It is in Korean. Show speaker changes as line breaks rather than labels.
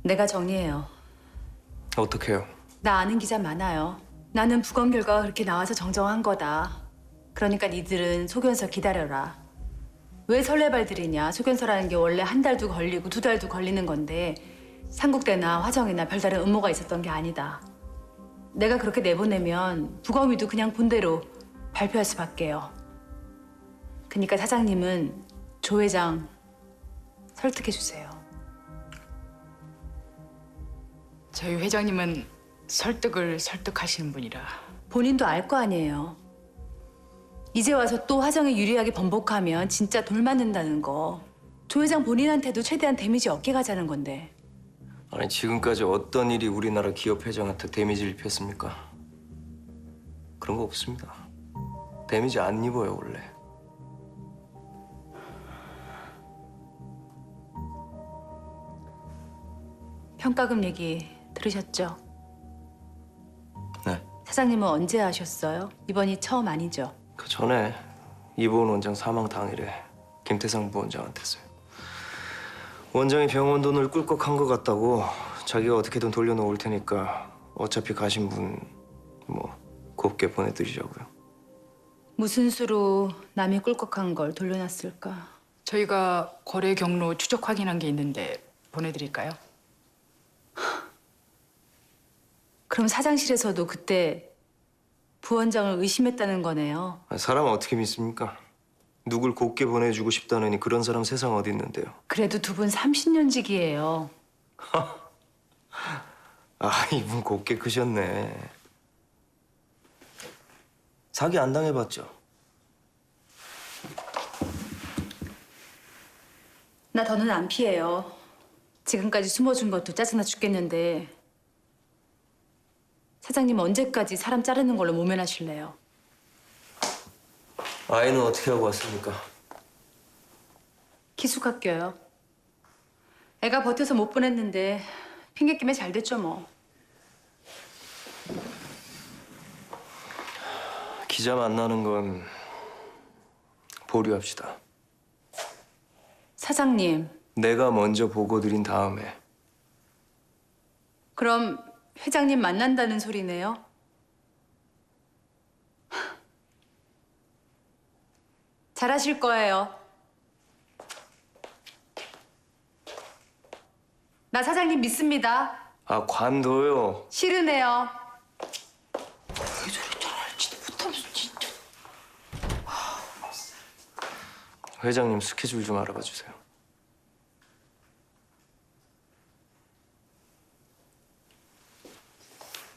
내가 정리해요.
어떡해요?
나 아는 기자 많아요. 나는 부검 결과가 그렇게 나와서 정정한 거다. 그러니까 니들은 소견서 기다려라. 왜 설레발들이냐? 소견서라는 게 원래 한 달도 걸리고 두 달도 걸리는 건데 삼국대나 화정이나 별다른 음모가 있었던 게 아니다. 내가 그렇게 내보내면 부검이도 그냥 본대로 발표할 수밖에요. 그러니까 사장님은 조 회장 설득해 주세요.
저희 회장님은 설득을 설득하시는 분이라.
본인도 알 거 아니에요. 이제 와서 또 화정에 유리하게 번복하면 진짜 돌 맞는다는 거. 조 회장 본인한테도 최대한 데미지 없게 가자는 건데.
아니 지금까지 어떤 일이 우리나라 기업 회장한테 데미지를 입혔습니까? 그런 거 없습니다. 데미지 안 입어요 원래.
평가금 얘기 들으셨죠?
네.
사장님은 언제 하셨어요? 이번이 처음 아니죠?
그 전에 이보은 원장 사망 당일에 김태상 부원장한테 했어요. 원장이 병원 돈을 꿀꺽한 것 같다고 자기가 어떻게든 돌려놓을 테니까 어차피 가신 분 뭐 곱게 보내드리자고요.
무슨 수로 남이 꿀꺽한 걸 돌려놨을까?
저희가 거래 경로 추적 확인한 게 있는데 보내드릴까요?
그럼 사장실에서도 그때 부원장을 의심했다는 거네요.
아니, 사람 어떻게 믿습니까? 누굴 곱게 보내주고 싶다느니 그런 사람 세상 어디 있는데요.
그래도 두 분 30년직이에요.
아 이분 곱게 크셨네. 사기 안 당해봤죠?
나 더는 안 피해요. 지금까지 숨어준 것도 짜증나 죽겠는데 사장님 언제까지 사람 자르는 걸로 모면하실래요?
아이는 어떻게 하고 왔습니까?
기숙학교요. 애가 버텨서 못 보냈는데 핑계김에 잘 됐죠 뭐.
기자 만나는 건 보류합시다.
사장님,
내가 먼저 보고 드린 다음에.
그럼 회장님 만난다는 소리네요? 잘하실 거예요. 나 사장님 믿습니다.
아 관둬요.
싫으네요.
회장님 스케줄 좀 알아봐 주세요.